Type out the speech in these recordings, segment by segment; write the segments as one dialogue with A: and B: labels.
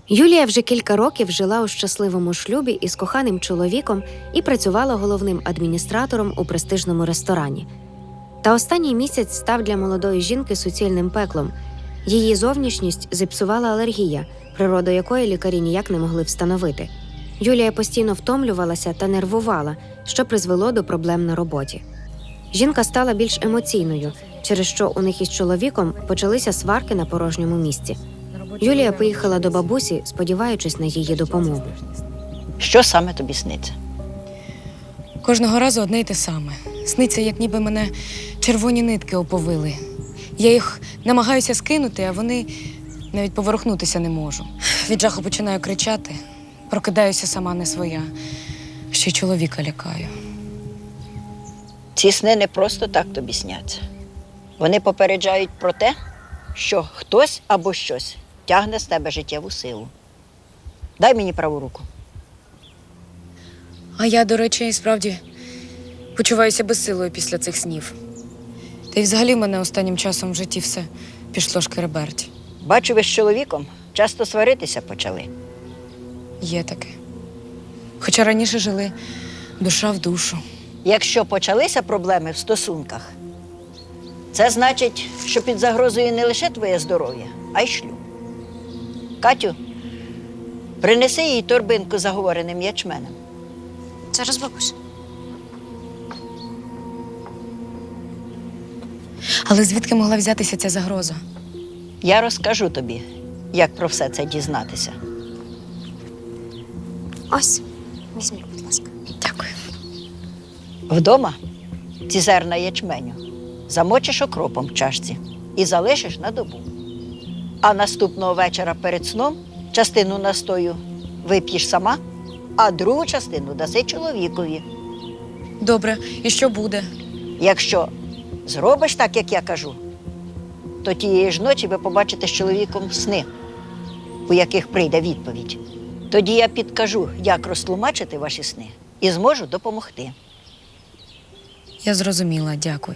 A: Юлія вже кілька років жила у щасливому шлюбі із коханим чоловіком і працювала головним адміністратором у престижному ресторані. Та останній місяць став для молодої жінки суцільним пеклом. Її зовнішність зіпсувала алергія, природу якої лікарі ніяк не могли встановити. Юлія постійно втомлювалася та нервувала, що призвело до проблем на роботі. Жінка стала більш емоційною, через що у них із чоловіком почалися сварки на порожньому місці. Юлія поїхала до бабусі, сподіваючись на її допомогу.
B: Що саме тобі сниться?
C: Кожного разу одне й те саме. Сниться, як ніби мене червоні нитки оповили. Я їх намагаюся скинути, а вони навіть поворухнутися не можу. Від жаху починаю кричати, прокидаюся сама не своя. Ще й чоловіка лякаю.
B: Ці сни не просто так тобі сняться. Вони попереджають про те, що хтось або щось тягне з тебе життєву силу. Дай мені праву руку.
C: А я, до речі, і справді почуваюся безсилою після цих снів. Та й взагалі в мене останнім часом в житті все пішло шкереберть.
B: Бачу, ви з чоловіком часто сваритися почали.
C: Є таке. Хоча раніше жили душа в душу.
B: Якщо почалися проблеми в стосунках, це значить, що під загрозою не лише твоє здоров'я, а й шлюб. Катю, принеси їй торбинку з заговореним ячменем.
D: Зараз, бабусь.
C: Але звідки могла взятися ця загроза?
B: Я розкажу тобі, як про все це дізнатися.
D: Ось, візьміть, будь ласка.
C: Дякую.
B: Вдома ці зерна ячменю замочиш окропом в чашці і залишиш на добу. А наступного вечора перед сном частину настою вип'єш сама, а другу частину даси чоловікові.
C: Добре, і що буде?
B: Якщо зробиш так, як я кажу, то тієї ж ночі ви побачите з чоловіком сни, у яких прийде відповідь. Тоді я підкажу, як розтлумачити ваші сни і зможу допомогти.
C: Я зрозуміла, дякую.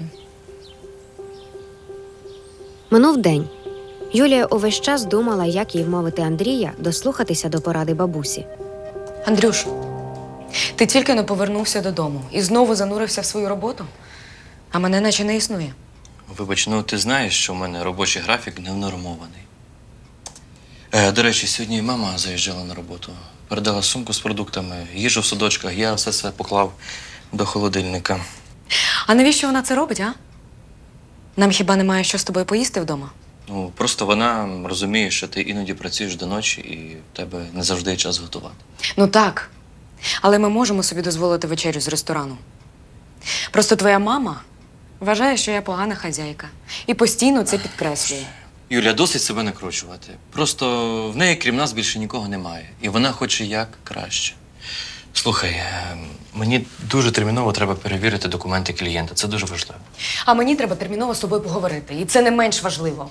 A: Минув день. Юлія увесь час думала, як їй вмовити Андрія дослухатися до поради бабусі.
C: Андрюш, ти тільки не повернувся додому і знову занурився в свою роботу, а мене наче не існує.
E: Вибач, ну ти знаєш, що в мене робочий графік невнормований. До речі, сьогодні мама заїжджала на роботу. Передала сумку з продуктами, їжу в судочках, я все поклав до холодильника.
C: А навіщо вона це робить, а? Нам хіба немає що з тобою поїсти вдома?
E: Ну, просто вона розуміє, що ти іноді працюєш до ночі і в тебе не завжди є час готувати.
C: Ну так, але ми можемо собі дозволити вечерю з ресторану. Просто твоя мама вважає, що я погана хазяйка і постійно це підкреслює.
E: Юля, досить себе накручувати. Просто в неї, крім нас, більше нікого немає. І вона хоче як краще. Слухай, мені дуже терміново треба перевірити документи клієнта. Це дуже важливо.
C: А мені треба терміново з тобою поговорити, і це не менш важливо.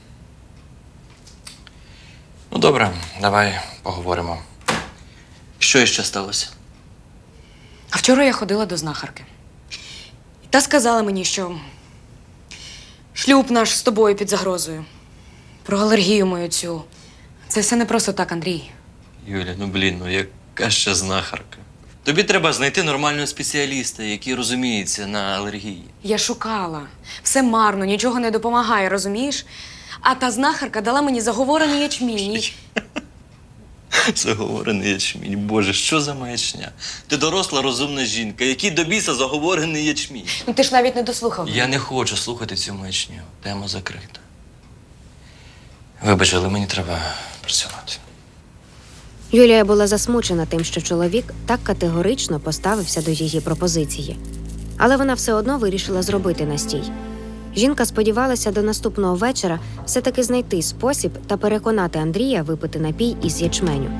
E: Ну, добре, давай поговоримо. Що іще сталося?
C: А вчора я ходила до знахарки. Та сказала мені, що шлюб наш з тобою під загрозою. Про алергію мою цю. Це все не просто так, Андрій.
E: Юля, яка ще знахарка? Тобі треба знайти нормального спеціаліста, який розуміється на алергії.
C: Я шукала. Все марно, нічого не допомагає, розумієш? А та знахарка дала мені заговорений ячмінь.
E: Заговорений ячмінь. Боже, що за маячня? Ти доросла, розумна жінка. Який до біса заговорений ячмінь?
C: Ну ти ж навіть не дослухав.
E: Я не хочу слухати цю маячню. Тема закрита. Вибач, але мені треба працювати.
A: Юлія була засмучена тим, що чоловік так категорично поставився до її пропозиції. Але вона все одно вирішила зробити настій. Жінка сподівалася до наступного вечора все-таки знайти спосіб та переконати Андрія випити напій із ячменю.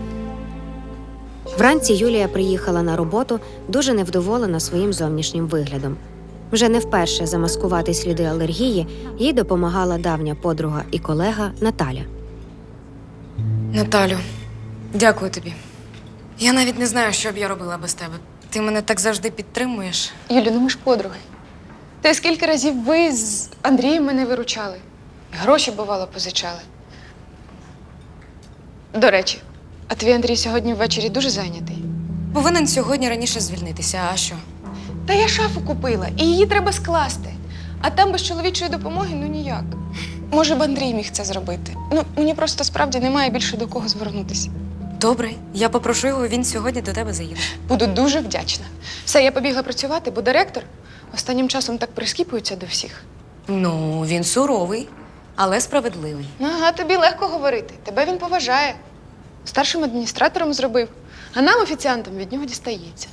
A: Вранці Юлія приїхала на роботу, дуже невдоволена своїм зовнішнім виглядом. Вже не вперше замаскувати сліди алергії їй допомагала давня подруга і колега Наталя.
C: Наталю, дякую тобі. Я навіть не знаю, що б я робила без тебе. Ти мене так завжди підтримуєш.
F: Юлю, ну ми ж подруги. Та скільки разів ви з Андрієм мене виручали? Гроші, бувало, позичали. До речі, а твій Андрій сьогодні ввечері дуже зайнятий.
C: Повинен сьогодні раніше звільнитися, а що?
F: Та я шафу купила, і її треба скласти. А там без чоловічої допомоги ну ніяк. Може б Андрій міг це зробити. Ну, мені просто справді немає більше до кого звернутися.
C: Добре, я попрошу його, він сьогодні до тебе заїде.
F: Буду дуже вдячна. Все, я побігла працювати, бо директор останнім часом так прискіпується до всіх.
C: Ну, він суровий, але справедливий.
F: Ага, тобі легко говорити. Тебе він поважає. Старшим адміністратором зробив, а нам, офіціантам, від нього дістається.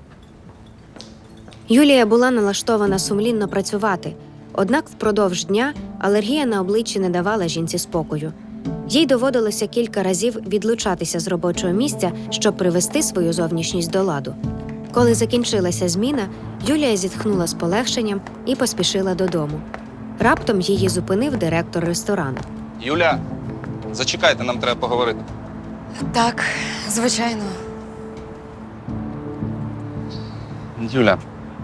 A: Юлія була налаштована сумлінно працювати, однак впродовж дня алергія на обличчі не давала жінці спокою. Їй доводилося кілька разів відлучатися з робочого місця, щоб привести свою зовнішність до ладу. Коли закінчилася зміна, Юлія зітхнула з полегшенням і поспішила додому. Раптом її зупинив директор ресторану.
G: Юля, зачекайте, нам треба поговорити.
C: Так, звичайно.
G: Юля,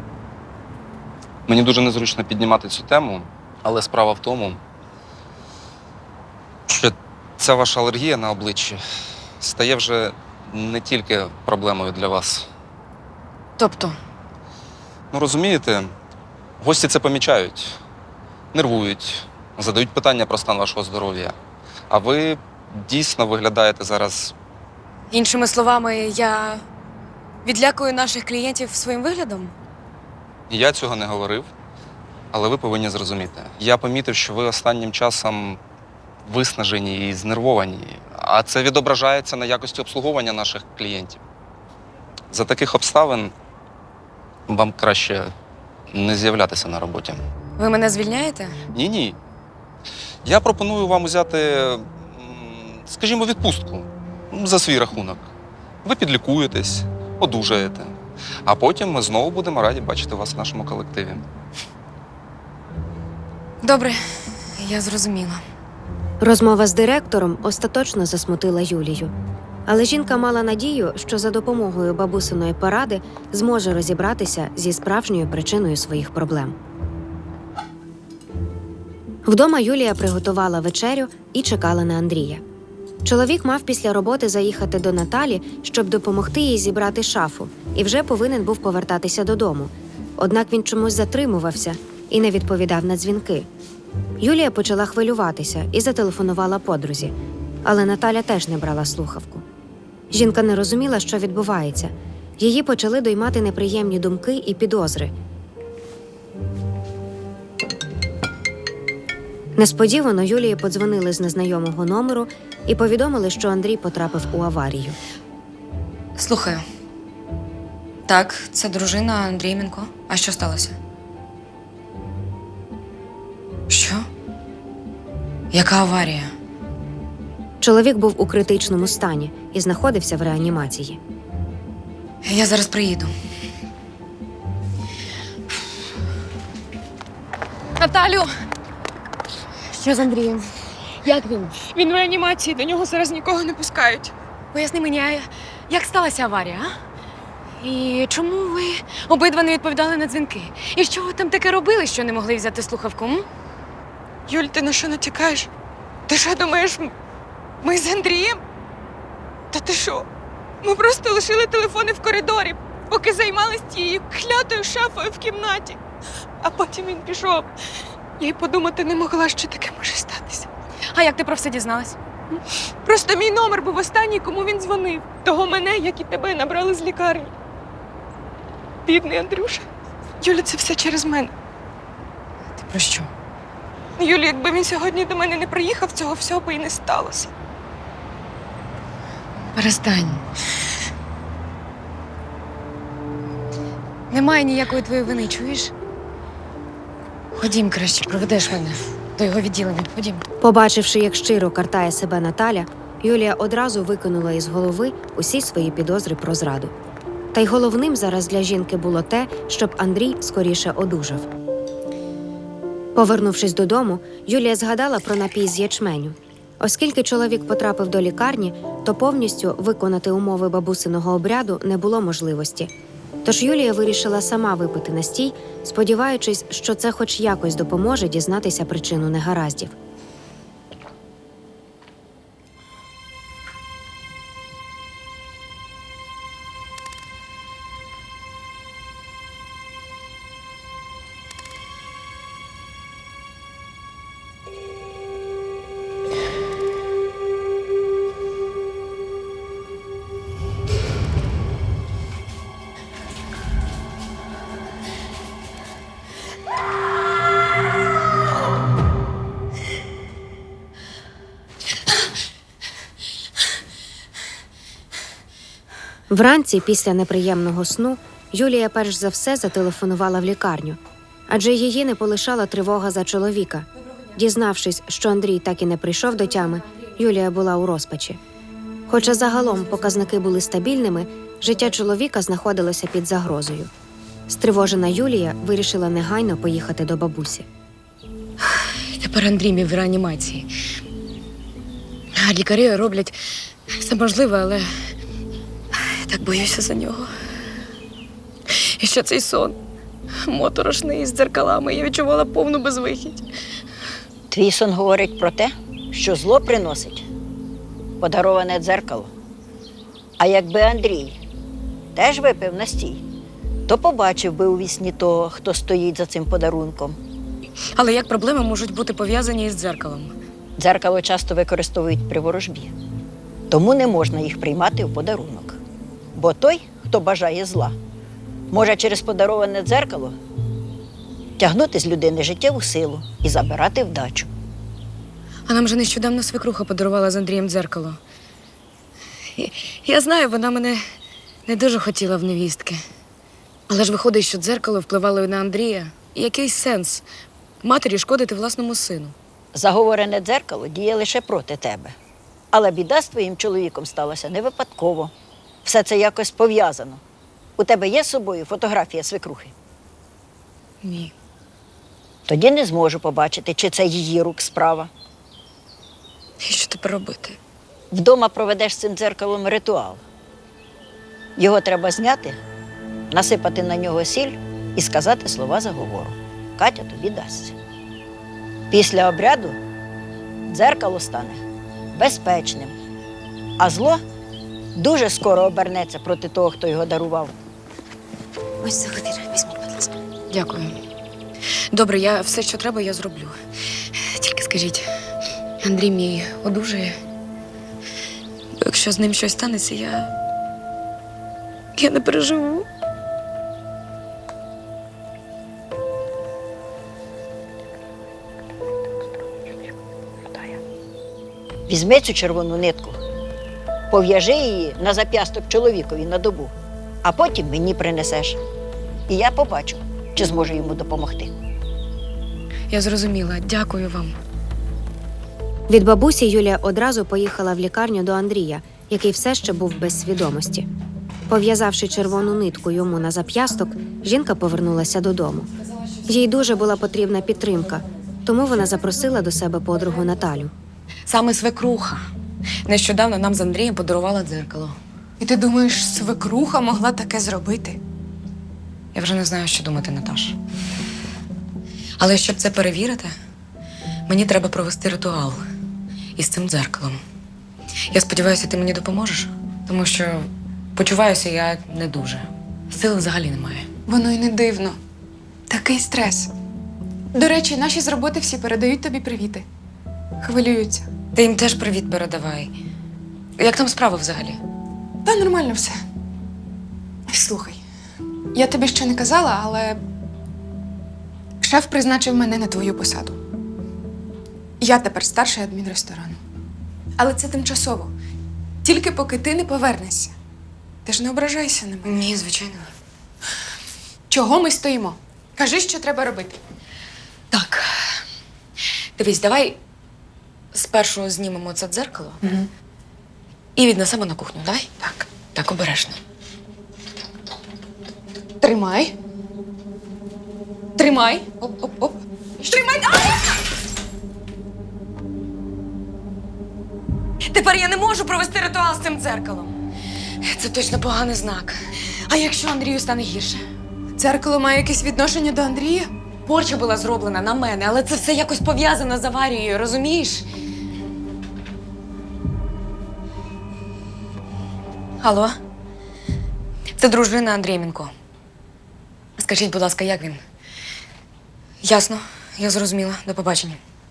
G: мені дуже незручно піднімати цю тему, але справа в тому, що ця ваша алергія на обличчі стає вже не тільки проблемою для вас.
C: Тобто,
G: Ну, розумієте, гості це помічають, нервують, задають питання про стан вашого здоров'я. А ви дійсно виглядаєте зараз.
C: іншими словами, я відлякую наших клієнтів своїм виглядом?
G: Я цього не говорив, але ви повинні зрозуміти. Я помітив, що ви останнім часом виснажені і знервовані, а це відображається на якості обслуговування наших клієнтів. За таких обставин вам краще не з'являтися на роботі.
C: Ви мене звільняєте?
G: Ні. Я пропоную вам взяти, скажімо, відпустку за свій рахунок. Ви підлікуєтесь, одужаєте, а потім ми знову будемо раді бачити вас в нашому колективі.
C: Добре, я зрозуміла.
A: Розмова з директором остаточно засмутила Юлію. Але жінка мала надію, що за допомогою бабусиної поради зможе розібратися зі справжньою причиною своїх проблем. Вдома Юлія приготувала вечерю і чекала на Андрія. Чоловік мав після роботи заїхати до Наталі, щоб допомогти їй зібрати шафу, і вже повинен був повертатися додому. Однак він чомусь затримувався і не відповідав на дзвінки. Юлія почала хвилюватися і зателефонувала подрузі, але Наталя теж не брала слухавку. Жінка не розуміла, що відбувається. Її почали доймати неприємні думки і підозри. Несподівано Юлії подзвонили з незнайомого номеру і повідомили, що Андрій потрапив у аварію.
C: Слухаю. Так, це дружина Андрійменко. А що сталося? Що? Яка аварія?
A: Чоловік був у критичному стані і знаходився в реанімації.
C: Я зараз приїду.
F: Наталю,
C: Що з Андрієм? Як він?
F: він в реанімації, до нього зараз нікого не пускають.
C: Поясни мені, а як сталася аварія, а? І чому ви обидва не відповідали на дзвінки? І що ви там таке робили, що не могли взяти слухавку? М?
F: Юль, ти на що натякаєш? Ти що думаєш, ми з Андрієм? Та ти що? Ми просто лишили телефони в коридорі, поки займалися тією клятою шафою в кімнаті. А потім він пішов. Я й подумати не могла, що таке може статися.
C: А як ти про все дізналась?
F: Просто мій номер був останній, кому він дзвонив. Того мене, як і тебе, набрали з лікарні. Бідний Андрюша. Юля, це все через мене.
C: Ти про що?
F: Юлі, якби він сьогодні до мене не приїхав, цього всього би і не сталося.
C: Перестань. Немає ніякої твоєї вини, чуєш? Ходім краще, проведеш мене до його відділення. Ходім.
A: Побачивши, як щиро картає себе Наталя, Юлія одразу викинула із голови усі свої підозри про зраду. Та й головним зараз для жінки було те, щоб Андрій скоріше одужав. Повернувшись додому, Юлія згадала про напій з ячменю. Оскільки чоловік потрапив до лікарні, то повністю виконати умови бабусиного обряду не було можливості. Тож Юлія вирішила сама випити настій, сподіваючись, що це хоч якось допоможе дізнатися причину негараздів. Вранці, після неприємного сну, Юлія перш за все зателефонувала в лікарню, адже її не полишала тривога за чоловіка. Дізнавшись, що Андрій так і не прийшов до тями, Юлія була у розпачі. Хоча загалом показники були стабільними, життя чоловіка знаходилося під загрозою. Стривожена Юлія вирішила негайно поїхати до бабусі.
C: Тепер Андрій мій в реанімації. А лікарі роблять все можливе, але так боюся за нього. І що цей сон моторошний з дзеркалами. Я відчувала повну безвихідь.
B: Твій сон говорить про те, що зло приносить подароване дзеркало. А якби Андрій теж випив настій, то побачив би у вісні того, хто стоїть за цим подарунком.
C: Але як проблеми можуть бути пов'язані із дзеркалом?
B: Дзеркало часто використовують при ворожбі, тому не можна їх приймати у подарунок. Бо той, хто бажає зла, може через подароване дзеркало тягнути з людини життєву силу і забирати вдачу.
C: А нам же нещодавно свекруха подарувала з Андрієм дзеркало. Я знаю, вона мене не дуже хотіла в невістки. Але ж виходить, що дзеркало впливало і на Андрія. І який сенс матері шкодити власному сину?
B: Заговорене дзеркало діє лише проти тебе. Але біда з твоїм чоловіком сталася не випадково. Все це якось пов'язано. У тебе є з собою фотографія свекрухи?
C: Ні.
B: Тоді не зможу побачити, чи це її рук справа.
C: І що тепер робити?
B: Вдома проведеш з цим дзеркалом ритуал. Його треба зняти, насипати на нього сіль і сказати слова заговору. Катя тобі дасться. Після обряду дзеркало стане безпечним, а зло дуже скоро обернеться проти того, хто його дарував.
D: Ось сувенір. Візьміть, будь ласка.
C: Дякую. Добре, я все, що треба, я зроблю. Тільки скажіть, Андрій мій одужає? Бо якщо з ним щось станеться, я не переживу.
B: Візьми цю червону нитку, пов'яжи її на зап'ясток чоловікові на добу, а потім мені принесеш. І я побачу, чи зможу йому допомогти.
C: Я зрозуміла. Дякую вам.
A: Від бабусі Юлія одразу поїхала в лікарню до Андрія, який все ще був без свідомості. Пов'язавши червону нитку йому на зап'ясток, жінка повернулася додому. Їй дуже була потрібна підтримка, тому вона запросила до себе подругу Наталю.
C: Саме свекруха нещодавно нам з Андрієм подарувала дзеркало.
F: І ти думаєш, свекруха могла таке зробити?
C: Я вже не знаю, що думати, Наташ. Але щоб це перевірити, мені треба провести ритуал із цим дзеркалом. Я сподіваюся, ти мені допоможеш, тому що почуваюся я не дуже. Сили взагалі немає.
F: Воно й не дивно. Такий стрес. До речі, наші з роботи всі передають тобі привіти. Хвилюються.
C: Ти їм теж привіт передавай. Як там справи взагалі?
F: Та нормально все. Слухай, я тобі ще не казала, але шеф призначив мене на твою посаду. Я тепер старший адмінресторану. Але це тимчасово. Тільки поки ти не повернешся. Ти ж не ображайся на мене.
C: Ні, звичайно.
F: Чого ми стоїмо? Кажи, що треба робити.
C: Так. Дивись, давай спершу знімемо це дзеркало і віднесемо на кухню. Давай? Так. Так, обережно.
F: Тримай. Тримай. Оп-оп-оп. Тримай.
C: Тепер я не можу провести ритуал з цим дзеркалом. Це точно поганий знак. А якщо Андрію стане гірше?
F: Дзеркало має якесь відношення до Андрія?
C: Порча була зроблена на мене, але це все якось пов'язано з аварією, розумієш? Алло? Це дружина Андрієнко. Скажіть, будь ласка, як він? Ясно, я зрозуміла. До побачення.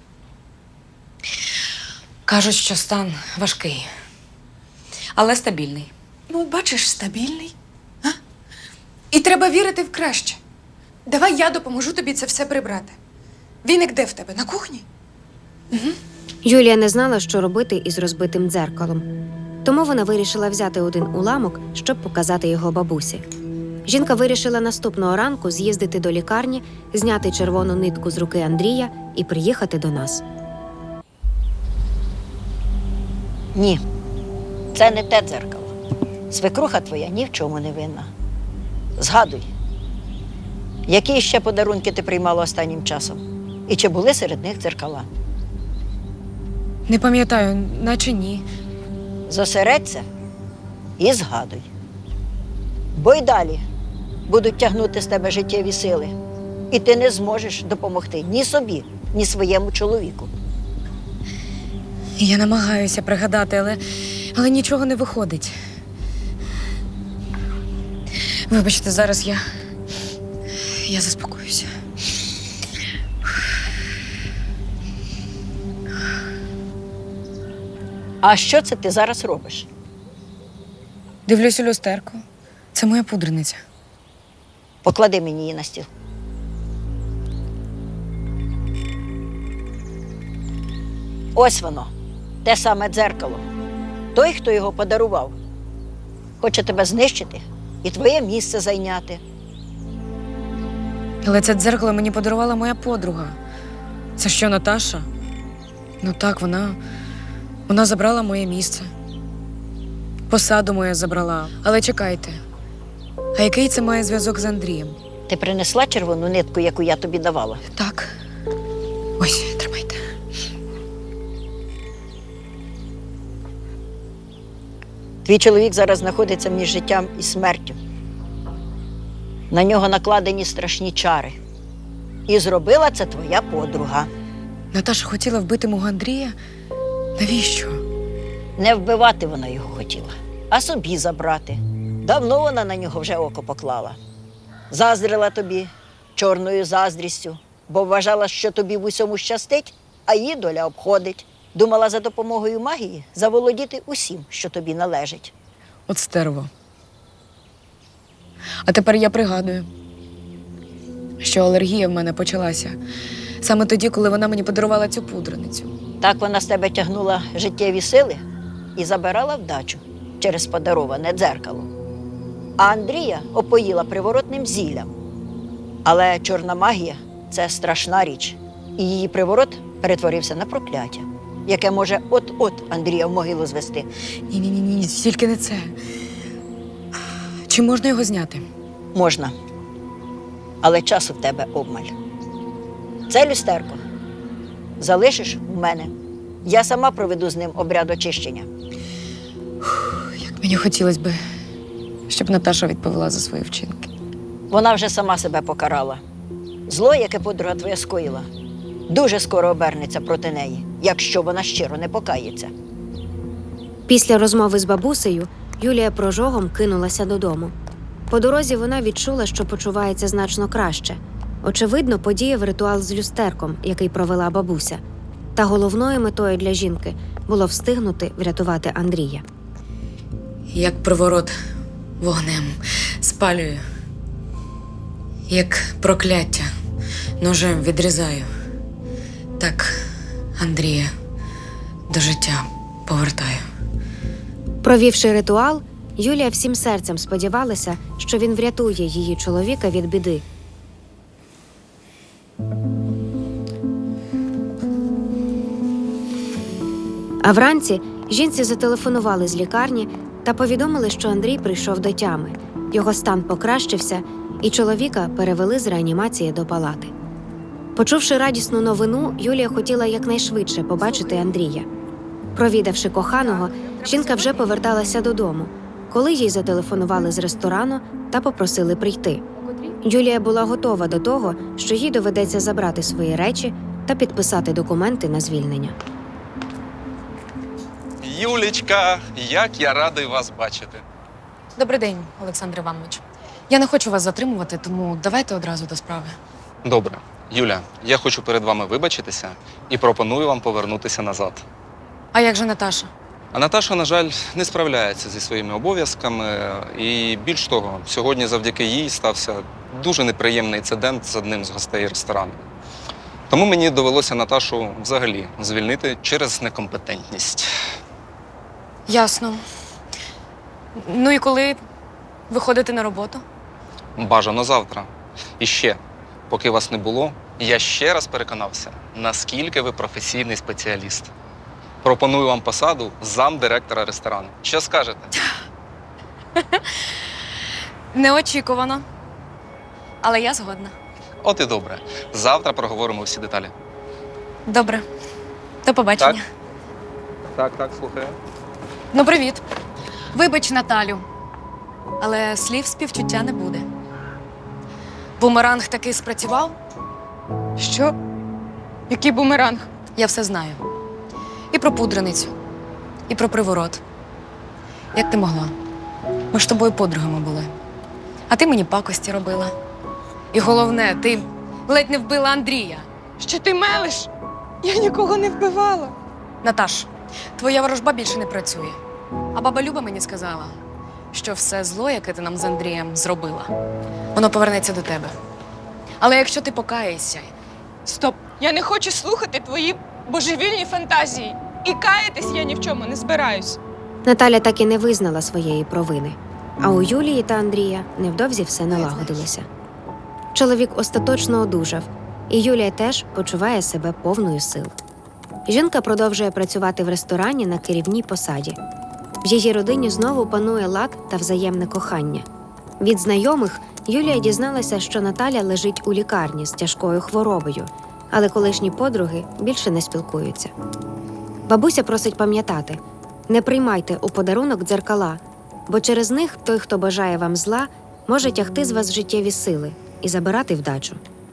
C: Кажуть, що стан важкий, але стабільний.
F: Ну, бачиш, стабільний. А? І треба вірити в краще. Давай я допоможу тобі це все прибрати. Віник де в тебе? На кухні?
A: Юлія не знала, що робити із розбитим дзеркалом. Тому вона вирішила взяти один уламок, щоб показати його бабусі. Жінка вирішила наступного ранку з'їздити до лікарні, зняти червону нитку з руки Андрія і приїхати до нас.
B: Ні, це не те дзеркало. Свекруха твоя ні в чому не винна. Згадуй, які ще подарунки ти приймала останнім часом? І чи були серед них дзеркала?
C: Не пам'ятаю, наче ні.
B: Зосередься і згадуй. Бо й далі будуть тягнути з тебе життєві сили. І ти не зможеш допомогти ні собі, ні своєму чоловіку.
C: Я намагаюся пригадати, але нічого не виходить. Вибачте, зараз я заспокоюся.
B: А що це ти зараз робиш?
C: Дивлюсь у люстерко. Це моя пудрениця.
B: Поклади мені її на стіл. Ось воно, те саме дзеркало. Той, хто його подарував, хоче тебе знищити і твоє місце зайняти.
C: Але це дзеркало мені подарувала моя подруга. Це що, Наташа? Ну так, вона забрала моє місце. Посаду мою забрала. Але чекайте, а який це має зв'язок з Андрієм?
B: Ти принесла червону нитку, яку я тобі давала?
C: Так. Ось, тримайте.
B: Твій чоловік зараз знаходиться між життям і смертю. На нього накладені страшні чари. І зробила це твоя подруга.
C: Наташа хотіла вбити мого Андрія? Навіщо?
B: Не вбивати вона його хотіла, а собі забрати. Давно вона на нього вже око поклала. Заздрила тобі чорною заздрістю, бо вважала, що тобі в усьому щастить, а її доля обходить. Думала за допомогою магії заволодіти усім, що тобі належить.
C: От стерво. А тепер я пригадую, що алергія в мене почалася саме тоді, коли вона мені подарувала цю пудреницю.
B: Так вона з тебе тягнула життєві сили і забирала вдачу через подароване дзеркало. А Андрія опоїла приворотним зіллям. Але чорна магія – це страшна річ. І її приворот перетворився на прокляття, яке може от-от Андрія в могилу звести.
C: Ні, тільки не це. Чи можна його зняти?
B: Можна. Але часу в тебе обмаль. Це люстерко залишиш у мене. Я сама проведу з ним обряд очищення.
C: Як мені хотілося б, щоб Наташа відповіла за свої вчинки.
B: Вона вже сама себе покарала. Зло, яке подруга твоя скоїла, дуже скоро обернеться проти неї, якщо вона щиро не покається.
A: Після розмови з бабусею Юлія прожогом кинулася додому. По дорозі вона відчула, що почувається значно краще. Очевидно, подіяв ритуал з люстерком, який провела бабуся. Та головною метою для жінки було встигнути врятувати Андрія.
C: Як приворот вогнем спалюю, як прокляття ножем відрізаю, так Андрія до життя повертаю.
A: Провівши ритуал, Юлія всім серцем сподівалася, що він врятує її чоловіка від біди. А вранці жінці зателефонували з лікарні та повідомили, що Андрій прийшов до тями. Його стан покращився, і чоловіка перевели з реанімації до палати. Почувши радісну новину, Юлія хотіла якнайшвидше побачити Андрія. Провідавши коханого, жінка вже поверталася додому, коли їй зателефонували з ресторану та попросили прийти. Юлія була готова до того, що їй доведеться забрати свої речі та підписати документи на звільнення.
G: Юлічка, як я радий вас бачити.
C: Добрий день, Олександр Іванович. Я не хочу вас затримувати, тому давайте одразу до справи.
G: Добре. Юля, я хочу перед вами вибачитися і пропоную вам повернутися назад.
C: А як же Наташа?
G: А Наташа, на жаль, не справляється зі своїми обов'язками. І більш того, сьогодні завдяки їй стався дуже неприємний інцидент з одним з гостей ресторану. Тому мені довелося Наташу взагалі звільнити через некомпетентність.
C: Ясно. Ну і коли виходите на роботу?
G: Бажано завтра. І ще, поки вас не було, я ще раз переконався, наскільки ви професійний спеціаліст. Пропоную вам посаду замдиректора ресторану. Що скажете?
C: Неочікувано. Але я згодна.
G: От і добре. Завтра проговоримо всі деталі.
C: Добре. До побачення.
G: Так, слухаю.
C: Ну, привіт. Вибач, Наталю. Але слів співчуття не буде. Бумеранг таки спрацював?
F: Що? Який бумеранг?
C: Я все знаю. І про пудреницю, і про приворот. Як ти могла? Ми ж з тобою подругами були. А ти мені пакості робила. І головне, ти ледь не вбила Андрія.
F: Що ти мелиш? Я нікого не вбивала.
C: Наташ, твоя ворожба більше не працює. А баба Люба мені сказала, що все зло, яке ти нам з Андрієм зробила, воно повернеться до тебе. Але якщо ти покаєшся,
F: Стоп! Я не хочу слухати твої божевільні фантазії. І каятись я ні в чому не збираюсь.
A: Наталя так і не визнала своєї провини. А у Юлії та Андрія невдовзі все налагодилося. Чоловік остаточно одужав, і Юлія теж почуває себе повною сил. Жінка продовжує працювати в ресторані на керівній посаді. В її родині знову панує лад та взаємне кохання. Від знайомих Юлія дізналася, що Наталя лежить у лікарні з тяжкою хворобою, але колишні подруги більше не спілкуються. Бабуся просить пам'ятати – не приймайте у подарунок дзеркала, бо через них той, хто бажає вам зла, може тягти з вас життєві сили і забирати вдачу.